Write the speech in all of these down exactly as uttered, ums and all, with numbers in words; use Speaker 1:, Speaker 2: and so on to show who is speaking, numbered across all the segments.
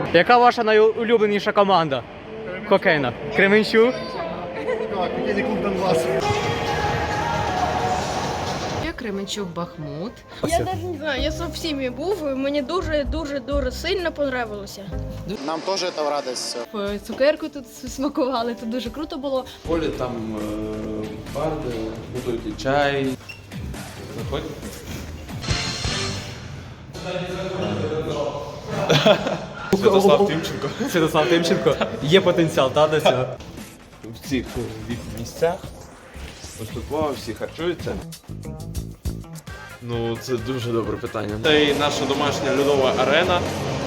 Speaker 1: Яка ваша найулюбленіша команда? Хокейна. Кременчук?
Speaker 2: Так, хокейний клуб Донбас.
Speaker 3: Я Кременчук Бахмут.
Speaker 4: Я навіть не знаю, я сам в сім'ї був, і мені дуже-дуже-дуже сильно подобалося.
Speaker 2: Нам теж це в радість.
Speaker 4: Цукерку тут смакували, тут дуже круто було.
Speaker 5: В полі там е, барди, готують і чай. Заходь. Святослав Тимченко.
Speaker 1: Святослав Тимченко. Є потенціал, та, до цього?
Speaker 5: В цих місцях поступово всі харчуються. Ну, це дуже добре питання. Це і наша домашня льодова арена.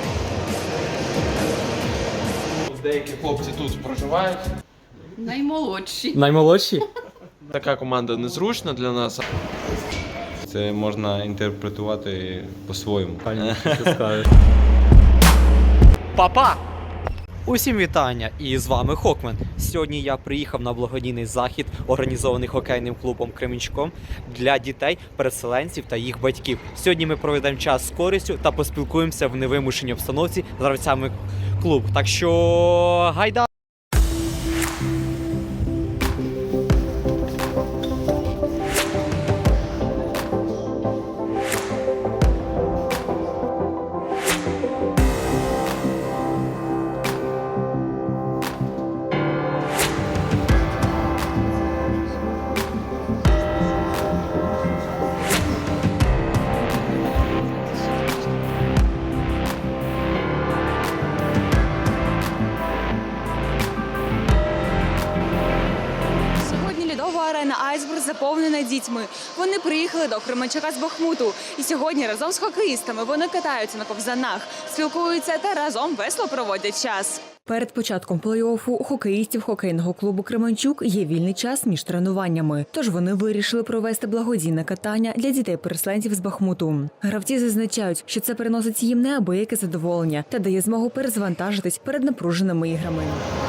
Speaker 5: Деякі хлопці тут проживають.
Speaker 3: Наймолодші.
Speaker 1: Наймолодші?
Speaker 5: Така команда незручна для нас.
Speaker 6: Це можна інтерпретувати по-своєму.
Speaker 1: Папа! Усім вітання! І з вами Хокмен. Сьогодні я приїхав на благодійний захід, організований хокейним клубом Кременчуком для дітей, переселенців та їх батьків. Сьогодні ми проведемо час з користю та поспілкуємося в невимушеній обстановці з гравцями клубу. Так що гайда!
Speaker 7: Арена Айсберг заповнена дітьми. Вони приїхали до Кременчука з Бахмуту. І сьогодні разом з хокеїстами вони катаються на ковзанах, спілкуються та разом весело проводять час. Перед початком плей-оффу у хокеїстів хокейного клубу Кременчук є вільний час між тренуваннями. Тож вони вирішили провести благодійне катання для дітей-переселенців з Бахмуту. Гравці зазначають, що це приносить їм неабияке задоволення та дає змогу перезвантажитись перед напруженими іграми.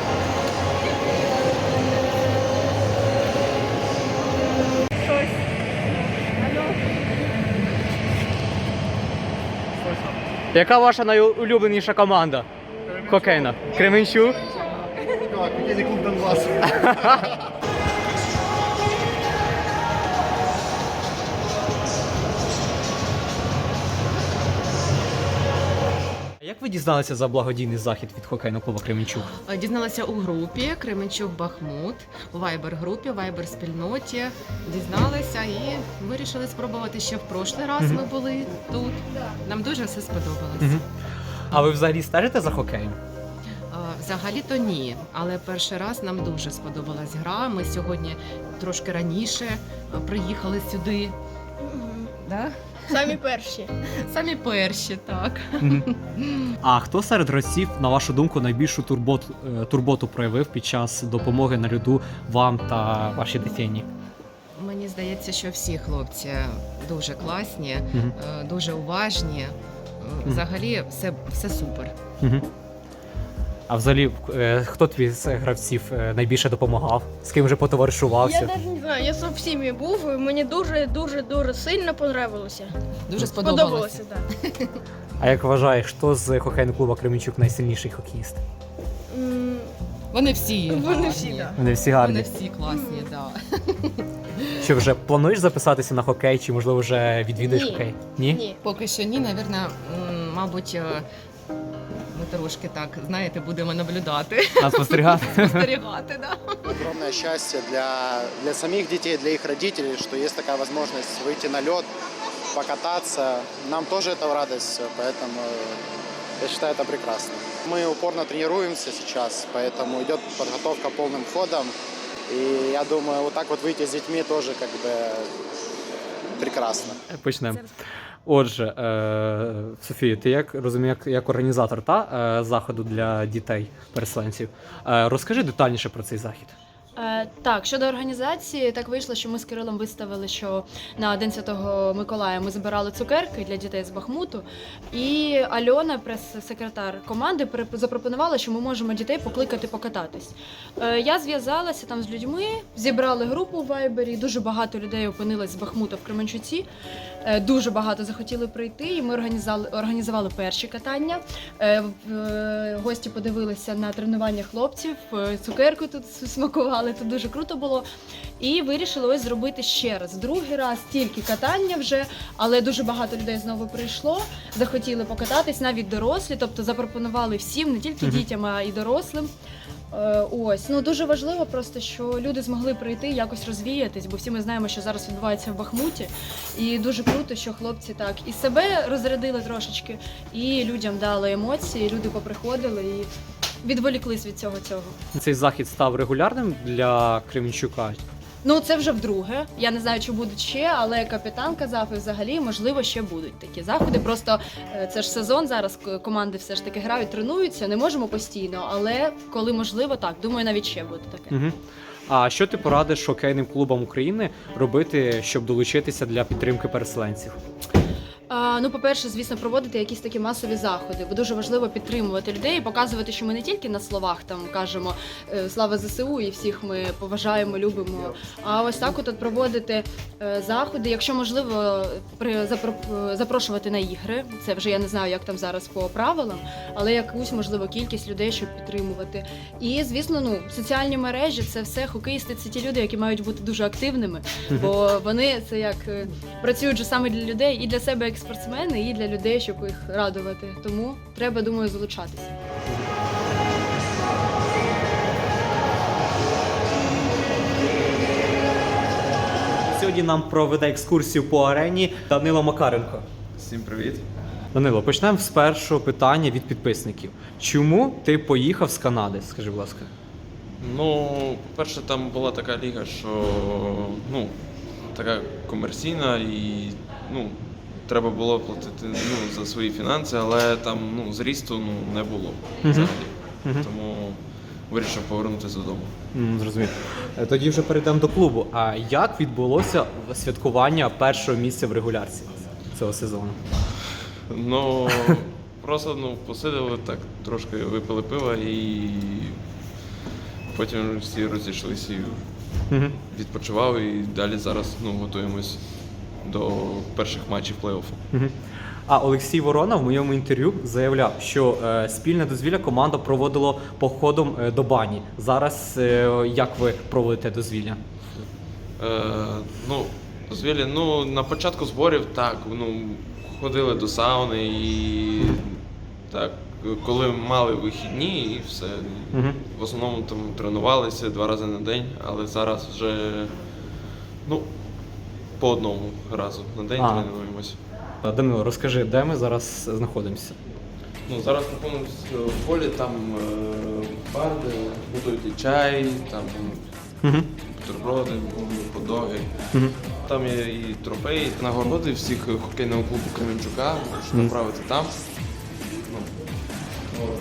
Speaker 1: Яка ваша найулюбленіша команда? Хокейна. Кременчук?
Speaker 2: Так, хокейний клуб Донбас.
Speaker 1: Як ви дізналися за благодійний захід від хокейного клубу Кременчук?
Speaker 3: Дізналася у групі Кременчук Бахмут, у вайбер-групі, вайбер-спільноті. Дізналися і вирішили спробувати ще в прошлий раз. Ми були тут. Нам дуже все сподобалось.
Speaker 1: А ви взагалі стежите за хокеєм?
Speaker 3: Взагалі-то ні, але перший раз нам дуже сподобалась гра. Ми сьогодні трошки раніше приїхали сюди. Да?
Speaker 4: Самі перші.
Speaker 3: Самі перші, так.
Speaker 1: А хто серед гравців, на вашу думку, найбільшу турботу, турботу проявив під час допомоги на льоду вам та вашій дитині?
Speaker 3: Мені здається, що всі хлопці дуже класні,
Speaker 1: Мгм.
Speaker 3: дуже уважні. Взагалі все, все супер.
Speaker 1: Угу. А взагалі, е, хто твій з гравців е, найбільше допомагав? З ким вже
Speaker 4: Я
Speaker 1: потоваришувався?
Speaker 4: навіть не знаю, я сам в сім'ї був, і мені дуже-дуже-дуже сильно подобалося.
Speaker 3: Дуже сподобалося.
Speaker 4: Сподобалося, так.
Speaker 1: А як вважаєш, хто з хокейного клубу Кременчук найсильніший хокеїст?
Speaker 4: М,
Speaker 3: Вони всі.
Speaker 4: Вони
Speaker 3: гарні.
Speaker 4: всі, так.
Speaker 1: Вони всі
Speaker 3: Вони
Speaker 1: гарні.
Speaker 3: всі класні, так.
Speaker 1: Що, вже плануєш записатися на хокей, чи можливо вже відвідуєш
Speaker 4: Ні.
Speaker 1: хокей? Ні?
Speaker 4: Ні.
Speaker 3: Поки що ні, навірно, м, мабуть, е, ми трошки так, знаєте, будемо наблюдати,
Speaker 1: А спостерігати?
Speaker 3: спостерігати, да.
Speaker 2: Огромное счастье для, для самих детей, для их родителей, что есть такая возможность выйти на лед, покататься. Нам тоже это в радость, поэтому я считаю это прекрасно. Мы упорно тренируемся сейчас, поэтому идет подготовка полным ходом. И я думаю, вот так вот выйти с детьми тоже как бы прекрасно.
Speaker 1: Почнемо. Отже, е, Софія, ти як розумію, як, як організатор та, е, заходу для дітей-переселенців, е, розкажи детальніше про цей захід.
Speaker 8: Е, так, щодо організації, так вийшло, що ми з Кирилом виставили, що на День Святого Миколая ми збирали цукерки для дітей з Бахмуту. І Альона, прес-секретар команди, при- запропонувала, що ми можемо дітей покликати покататись. Е, я зв'язалася там з людьми, зібрали групу в Вайбері, дуже багато людей опинилось з Бахмута в Кременчуці. Е, дуже багато захотіли прийти, і ми організували, організували перші катання. Е, в- е, гості подивилися на тренування хлопців, е, цукерку тут смакували. Тут дуже круто було. І вирішили ось зробити ще раз. Другий раз тільки катання вже, але дуже багато людей знову прийшло, захотіли покататись, навіть дорослі, тобто запропонували всім, не тільки
Speaker 1: Мгм.
Speaker 8: дітям, а й дорослим. Е, Ось, ну дуже важливо просто, що люди змогли прийти, якось розвіятись, бо всі ми знаємо, що зараз відбувається в Бахмуті. І дуже круто, що хлопці так і себе розрядили трошечки, і людям дали емоції, люди поприходили і відволіклись від цього цього.
Speaker 1: Цей захід став регулярним для Кременчука.
Speaker 8: Ну, це вже вдруге. Я не знаю, чи будуть ще, але капітан казав, і взагалі, можливо, ще будуть такі заходи. Просто е, це ж сезон, зараз к- команди все ж таки грають, тренуються, не можемо постійно, але коли можливо, так, думаю, навіть ще буде таке.
Speaker 1: Угу. А що ти порадиш хокейним клубам України робити, щоб долучитися для підтримки переселенців?
Speaker 8: А, ну, по-перше, звісно, проводити якісь такі масові заходи, бо дуже важливо підтримувати людей і показувати, що ми не тільки на словах там кажемо е, слава ЗСУ і всіх ми поважаємо, любимо. А ось так от, от проводити е, заходи, якщо можливо, при запро- запрошувати на ігри. Це вже я не знаю, як там зараз по правилам, але якусь можливо кількість людей, щоб підтримувати. І звісно, ну соціальні мережі це все хокеїсти. Це ті люди, які мають бути дуже активними, бо вони це як е, працюють же саме для людей і для себе як спортсмени, і для людей, щоб їх радувати. Тому треба, думаю, залучатися.
Speaker 1: Сьогодні нам проведе екскурсію по арені Данило Макаренко.
Speaker 6: Всім привіт.
Speaker 1: Данило, почнемо з першого питання від підписників. Чому ти поїхав з Канади? Скажи, будь ласка.
Speaker 5: Ну, по-перше, там була така ліга, що ну, така комерційна і ну, треба було платити ну, за свої фінанси, але там ну, зрісту ну, не було взагалі.
Speaker 1: Мгм.
Speaker 5: Тому вирішив повернутися додому.
Speaker 1: М, Зрозумів. Е, Тоді вже перейдемо до клубу. А як відбулося святкування першого місця в регулярці цього сезону?
Speaker 5: Ну, просто ну, посиділи так, трошки випили пива і потім всі розійшлися і
Speaker 1: Угу.
Speaker 5: відпочивали, і далі зараз ну, готуємось до перших матчів плей-оффу.
Speaker 1: Угу. А Олексій Ворона в моєму інтерв'ю заявляв, що е, спільне дозвілля команда проводила походом е, до бані. Зараз е, як ви проводите дозвілля?
Speaker 5: Е, ну, дозвілля, ну, на початку зборів так, ну, ходили до сауни і так, коли мали вихідні і все.
Speaker 1: Угу.
Speaker 5: В основному там тренувалися два рази на день, але зараз вже ну, по одному разу на день
Speaker 1: А.
Speaker 5: тренуємося.
Speaker 1: Данило, розкажи, де ми зараз знаходимося?
Speaker 5: Ну, зараз знаходимося в полі, там е, барди, готують і чай, там
Speaker 1: Угу.
Speaker 5: бутерброди, хот-доги.
Speaker 1: Угу.
Speaker 5: Там є і трофеї, нагороди всіх хокейного клубу Кременчука, можеш
Speaker 1: Мгм.
Speaker 5: направити там. Ну, от.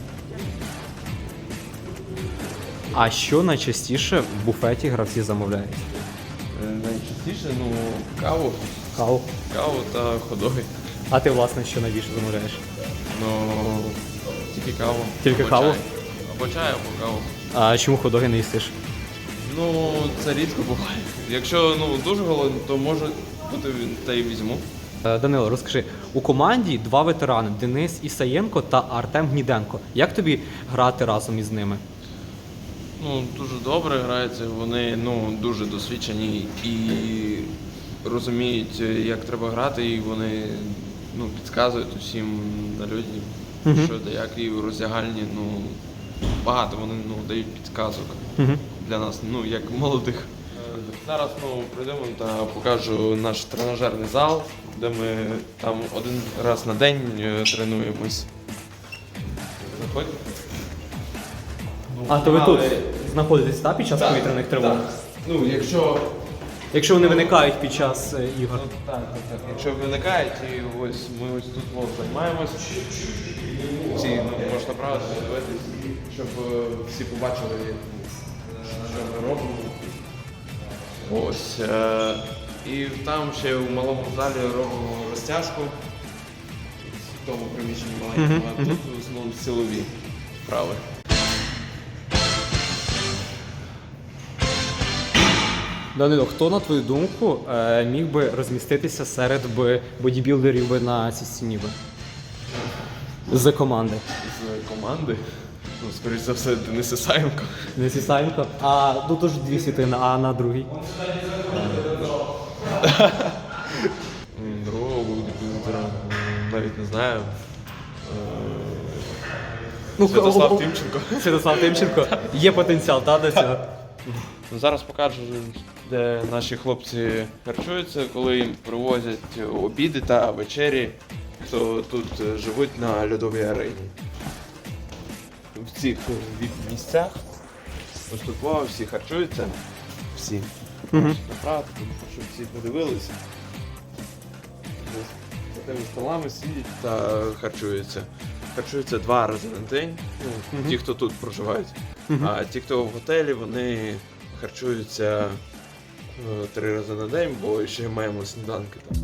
Speaker 1: А що найчастіше в буфеті гравці замовляють?
Speaker 5: Е, Найчастіше, ну, каву,
Speaker 1: Каву.
Speaker 5: каву та хот-доги.
Speaker 1: А ти, власне, що найбільше замовляєш?
Speaker 5: Ну, тільки каву.
Speaker 1: Тільки
Speaker 5: або
Speaker 1: каву?
Speaker 5: Чай. Або чай, або каву.
Speaker 1: А чому ходоги не їстиш?
Speaker 5: Ну, це рідко буває. Якщо ну, дуже голодний, то може бути та й візьму.
Speaker 1: Е, Данило, розкажи, у команді два ветерани – Денис Ісаєнко та Артем Гніденко. Як тобі грати разом із ними?
Speaker 5: Ну, дуже добре граються, вони ну, дуже досвідчені і розуміють, як треба грати, і вони ну, підказують усім на людям,
Speaker 1: Мгм.
Speaker 5: що та як, і у роздягальні ну, багато вони ну, дають підказок
Speaker 1: Угу.
Speaker 5: для нас, ну, як молодих. Зараз ну, прийдемо та покажу наш тренажерний зал, де ми там один раз на день е, тренуємось. Заходьте.
Speaker 1: А то ви тут
Speaker 5: Але-
Speaker 1: знаходитесь та, під час
Speaker 5: Так,
Speaker 1: повітряних тривог?
Speaker 5: так. Ну, якщо
Speaker 1: Якщо вони виникають під час е, ігор?
Speaker 5: Ну, так, так, так. Якщо виникають, і ось ми ось тут от займаємось. Всі ну, можна правити, дивитись, щоб е, всі побачили, що ми робимо. Ось. Е- і там ще у малому залі робимо розтяжку. В тому приміщенні маленькому, а тут в основному силові вправи.
Speaker 1: Данило, хто, на твою думку, е, міг би розміститися серед би бодібілдерів би на цій стіні би? З команди.
Speaker 5: З команди. Ну, скоріш за все, Денис Ісаєнко.
Speaker 1: Не Сісаєнко. А тут теж дві світлини, а на другій?
Speaker 5: Другого бодібілдера навіть не знаю.
Speaker 1: Ну,
Speaker 5: Святослав
Speaker 1: о- о-
Speaker 5: Тимченко.
Speaker 1: Святослав Тимченко. Є потенціал, та, до цього?
Speaker 5: Ну, зараз покажу, де наші хлопці харчуються, коли їм привозять обіди та вечері, хто тут живуть на льодовій арені. В цих місцях ось тут вау, всі харчуються. Всі.
Speaker 1: Мгм.
Speaker 5: Направду, щоб всі подивилися. За тими столами сидять та харчуються. Харчуються два рази на день, ну, ті, хто тут проживають. А ті, хто в готелі, вони харчуються е, три рази на день, бо ще маємо сніданки там.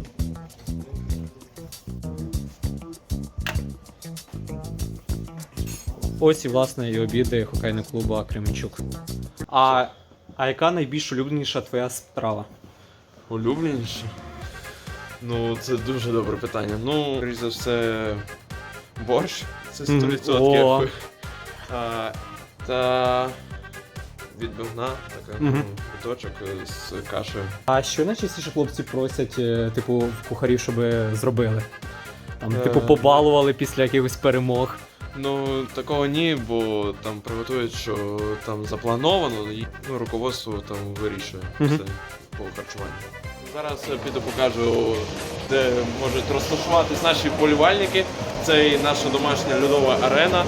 Speaker 1: Ось і, власне, і обіди хокейного клубу Кременчук. А, а яка найбільш улюбленіша твоя страва?
Speaker 5: Улюбленіше? Ну, це дуже добре питання. Ну, скоріш за все, борщ, це сто відсотків.
Speaker 1: О.
Speaker 5: А, та відбивна, така,
Speaker 1: Мгм.
Speaker 5: ну, биточок з кашею.
Speaker 1: А що найчастіше хлопці просять, е, типу, в кухарів, щоб зробили? Там,
Speaker 5: Е,
Speaker 1: типу, побалували після якихось перемог.
Speaker 5: Ну, такого ні, бо там приготують, що там заплановано, і ну, руководство там вирішує
Speaker 1: Мгм.
Speaker 5: все по харчуванню. Зараз я піду покажу, де можуть розташуватись наші вболівальники. Це і наша домашня льодова арена.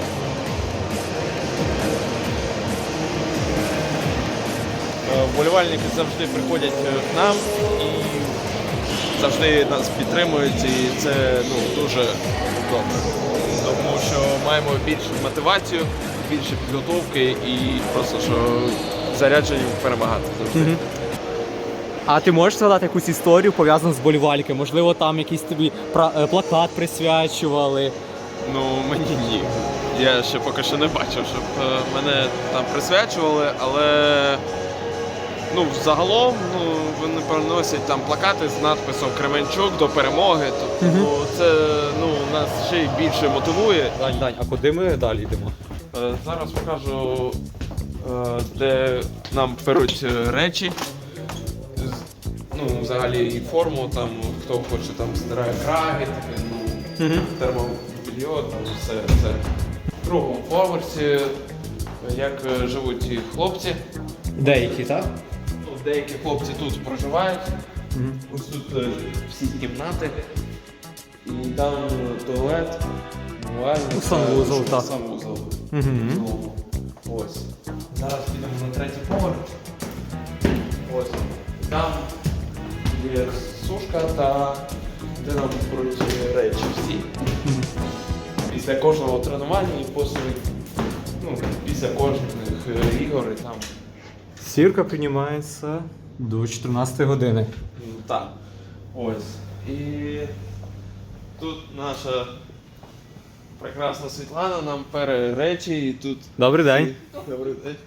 Speaker 5: Е, Вболівальники завжди приходять е, к нам і завжди нас підтримують, і це ну, дуже добре. Тому що маємо більшу мотивацію, більше підготовки і просто що заряджені перемагати завжди.
Speaker 1: Мгм. А ти можеш згадати якусь історію пов'язану з вболівальниками? Можливо, там якийсь тобі пра- е, плакат присвячували?
Speaker 5: Ну, мені ні. Я ще поки що не бачив, щоб е, мене там присвячували, але ну, загалом ну, вони приносять там плакати з надписом Кременчук до перемоги. Тобто
Speaker 1: Мгм.
Speaker 5: це ну, нас ще й більше мотивує.
Speaker 1: Дань, Дань, а куди ми далі йдемо?
Speaker 5: Е, Зараз покажу, е, де нам беруть е, речі. З- Ну, взагалі і форму, там, хто хоче, там стирає краги, таке, ну, термобільйо, там все це. В другому поверсі, як е, живуть ті хлопці.
Speaker 1: Деякі, так?
Speaker 5: Ну, деякі хлопці тут проживають.
Speaker 1: Мгм.
Speaker 5: Ось тут е, всі кімнати. І там туалет, мувальня.
Speaker 1: Ну, санвузол,
Speaker 5: та-
Speaker 1: так.
Speaker 5: Санвузол.
Speaker 1: Мгм.
Speaker 5: Знову. Ось. Зараз підемо на третій поверх. Ось. Там є сушка та де нам беруть речі всі. Після кожного тренування і після, ну, після кожних е, ігор і там.
Speaker 1: Сірка піднімається до чотирнадцятої години.
Speaker 5: Ну, так. Ось. І тут наша прекрасна Світлана нам пере речі і тут.
Speaker 1: Добрий день.
Speaker 5: Добрий день.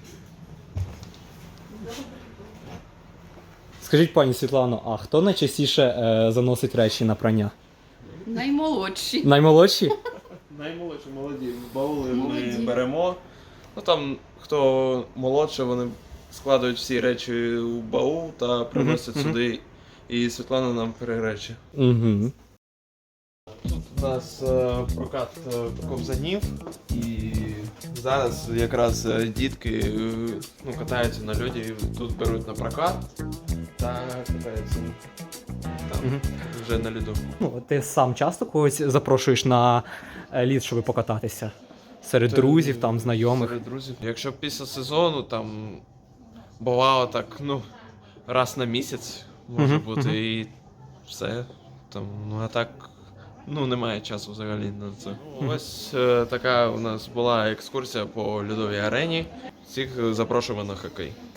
Speaker 1: Скажіть, пані Світлано, а хто найчастіше е, заносить речі на прання?
Speaker 3: Наймолодші.
Speaker 1: Наймолодші?
Speaker 5: Наймолодші, молоді. Баули
Speaker 3: Молоді.
Speaker 5: ми беремо. Ну там, хто молодше, вони складають всі речі у баул та приносять
Speaker 1: Мгм,
Speaker 5: сюди. І Світлана нам пере речі.
Speaker 1: Угу.
Speaker 5: Тут у нас е, прокат е, ковзанів, і зараз якраз е, дітки е, ну, катаються на льоді, і тут беруть на прокат та катаються там,
Speaker 1: Мгм.
Speaker 5: вже на льоду.
Speaker 1: Ну, ти сам часто когось запрошуєш на е, лід, щоб покататися? Серед
Speaker 5: Та,
Speaker 1: друзів, там, знайомих?
Speaker 5: Серед друзів. Якщо після сезону там бувало так, ну, раз на місяць може
Speaker 1: Мгм,
Speaker 5: бути,
Speaker 1: мгм.
Speaker 5: і все. Там, ну а так. Ну, немає часу взагалі на це.
Speaker 1: Мгм.
Speaker 5: Ось е, така у нас була екскурсія по льодовій арені. Всіх запрошуємо на хокей.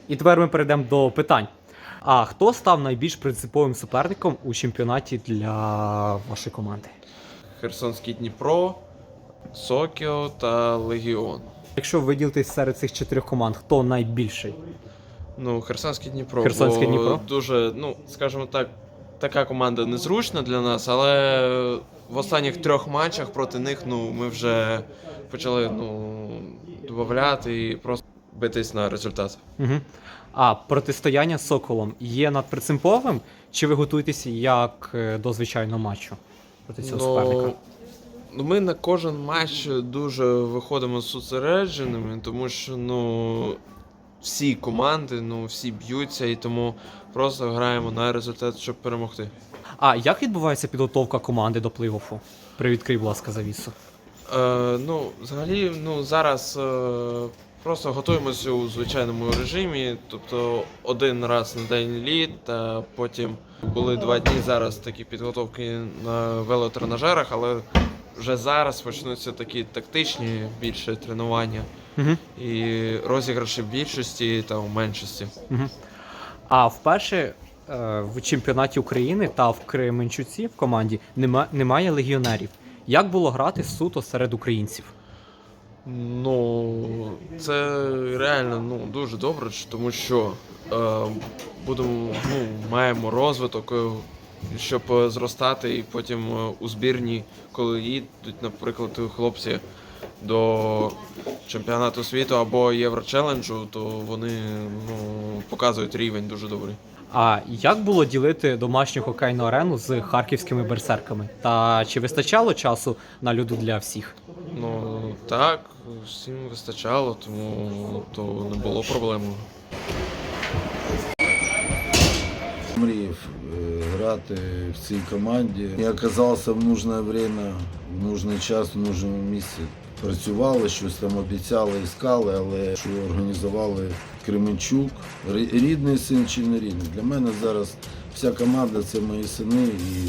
Speaker 1: І тепер ми перейдемо до питань. А хто став найбільш принциповим суперником у чемпіонаті для вашої команди?
Speaker 5: Херсонський Дніпро, Сокіо та Легіон.
Speaker 1: Якщо виділитись серед цих чотирьох команд, хто найбільший?
Speaker 5: Ну, Херсонський Дніпро.
Speaker 1: Херсонський
Speaker 5: бо
Speaker 1: Дніпро?
Speaker 5: Дуже, ну, скажімо так, така команда незручна для нас, але в останніх трьох матчах проти них ну, ми вже почали ну, додавати і просто битись на результат.
Speaker 1: Угу. А протистояння з Соколом є надпринциповим, чи ви готуєтеся як е, до звичайного матчу проти цього суперника?
Speaker 5: Ну, ми на кожен матч дуже виходимо зосередженими, тому що ну, всі команди, ну, всі б'ються, і тому просто граємо на результат, щоб перемогти.
Speaker 1: А як відбувається підготовка команди до плей-оффу? Привідкрий, будь ласка, завісу.
Speaker 5: Е, ну, взагалі, ну, зараз е, просто готуємося у звичайному режимі, тобто один раз на день літ, та потім були два дні зараз такі підготовки на велотренажерах, але вже зараз почнуться такі тактичні більше тренування
Speaker 1: Угу.
Speaker 5: і розіграші в більшості та в меншості.
Speaker 1: Угу. А вперше е, в чемпіонаті України та в Кременчуці в команді нема, немає легіонерів. Як було грати суто серед українців?
Speaker 5: Ну, це реально ну, дуже добре, тому що е, будемо, ну, маємо розвиток, е, щоб е, зростати, і потім е, у збірні, коли їдуть, наприклад, хлопці до чемпіонату світу або Єврочеленджу, то вони ну, показують рівень дуже добрий.
Speaker 1: А як було ділити домашню хокейну арену з харківськими берсерками? Та чи вистачало часу на льоду для всіх?
Speaker 5: Ну так, всім вистачало, тому то не було проблем.
Speaker 9: Мріяв е, грати в цій команді. Я оказався в нужне время, в нужний час, в нужному місці. Працювали, щось там обіцяли, іскали, але що організували Кременчук. Рі- Рідний син чи не рідний. Для мене зараз вся команда – це мої сини. І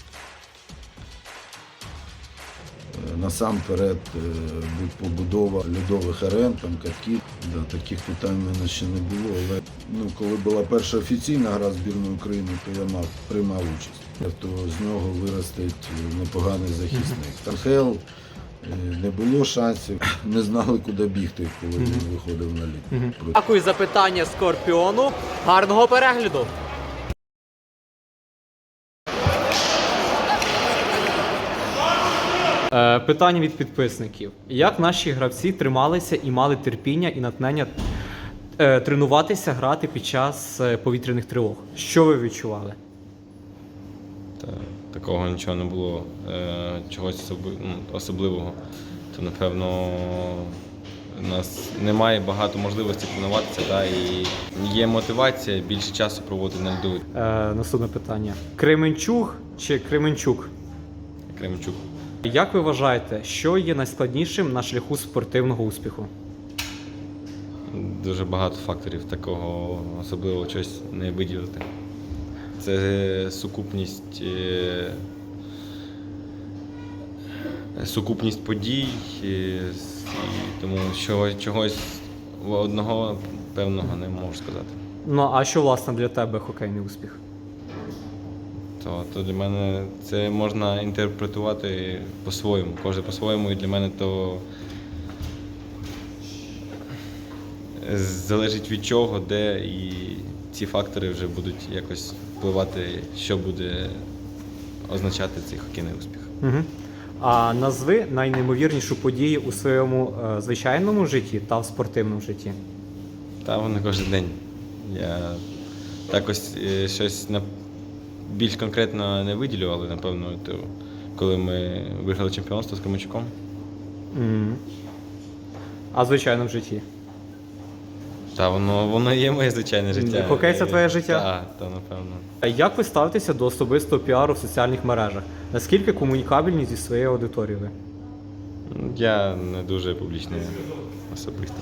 Speaker 9: е, насамперед е, будь побудова льодових арен, там катків. Да, таких питань в мене ще не було. Але ну, коли була перша офіційна гра збірної України, то я мав, приймав участь. То з нього виростить непоганий захисник. Тархел не було шансів, не знали, куди бігти, коли він виходив на лід.
Speaker 1: Дякую за питання Скорпіону. Гарного перегляду! Е, питання від підписників. Як наші гравці трималися і мали терпіння і натхнення е, тренуватися, грати під час е, повітряних тривог? Що ви відчували?
Speaker 6: Та, такого нічого не було, е, чогось особи- ну, особливого. То, напевно, у нас немає багато можливостей тренуватися, та, і є мотивація більше часу проводити на льду.
Speaker 1: Е, наступне питання. Кременчуг чи Кременчук?
Speaker 6: Кременчук.
Speaker 1: Як ви вважаєте, що є найскладнішим на шляху спортивного успіху?
Speaker 6: Дуже багато факторів, такого особливого щось не виділити. Це сукупність, е, сукупність подій, е, с- і тому чогось, чогось одного певного не можу сказати.
Speaker 1: Ну, а що, власне, для тебе хокейний успіх?
Speaker 6: То, то для мене це можна інтерпретувати по-своєму, кожен по-своєму, і для мене то залежить від чого, де, і ці фактори вже будуть якось впливати, що буде означати цей хокейний успіх.
Speaker 1: Угу. А назви найнеймовірнішу подію у своєму е, звичайному житті та в спортивному житті.
Speaker 6: Та воно кожен день. Я так ось е, щось на більш конкретно не виділю, але напевно, то, коли ми виграли чемпіонство з Кременчуком.
Speaker 1: Угу. А в звичайному житті?
Speaker 6: Та воно, воно є моє звичайне життя.
Speaker 1: Хокей – це твоє життя?
Speaker 6: Так, та, напевно.
Speaker 1: А як ви ставитеся до особистого піару в соціальних мережах? Наскільки комунікабельні зі своєю аудиторією ви?
Speaker 6: Я не дуже публічний особисто.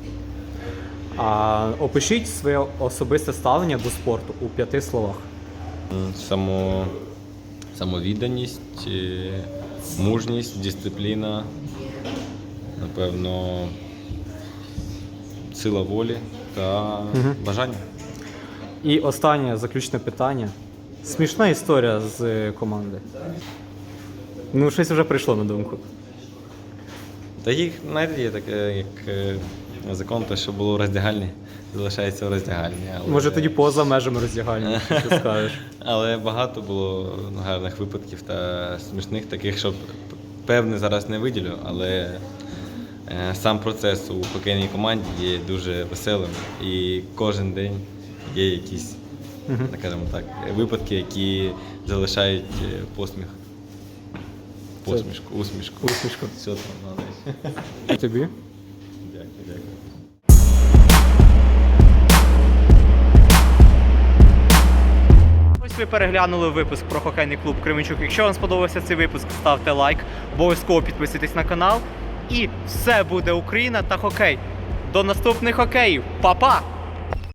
Speaker 1: А опишіть своє особисте ставлення до спорту у п'яти словах.
Speaker 6: М, Само, самовідданість, е, мужність, дисципліна, напевно, сила волі та
Speaker 1: Мгм.
Speaker 6: бажання.
Speaker 1: І останнє заключне питання. Смішна історія з команди. Ну, щось вже прийшло на думку.
Speaker 6: Та їх, знаєте, є таке, як е, закон, те, що було в роздягальні, залишається в роздягальні. Але,
Speaker 1: Може тоді поза межами роздягальні, що скажеш.
Speaker 6: але багато було гарних випадків та смішних, таких, що певне зараз не виділю, але е, сам процес у хокейній команді є дуже веселим. І кожен день є якісь,
Speaker 1: Мгм.
Speaker 6: скажімо так, випадки, які залишають е, посміх. Посмішку, усмішку.
Speaker 1: Усмішку.
Speaker 6: Все там надо.
Speaker 1: І тобі?
Speaker 6: Дякую, дякую.
Speaker 1: Ось ви переглянули випуск про хокейний клуб Кременчук. Якщо вам сподобався цей випуск, ставте лайк, обов'язково підписуйтесь на канал. І все буде Україна та хокей. До наступних хокеїв. Па-па!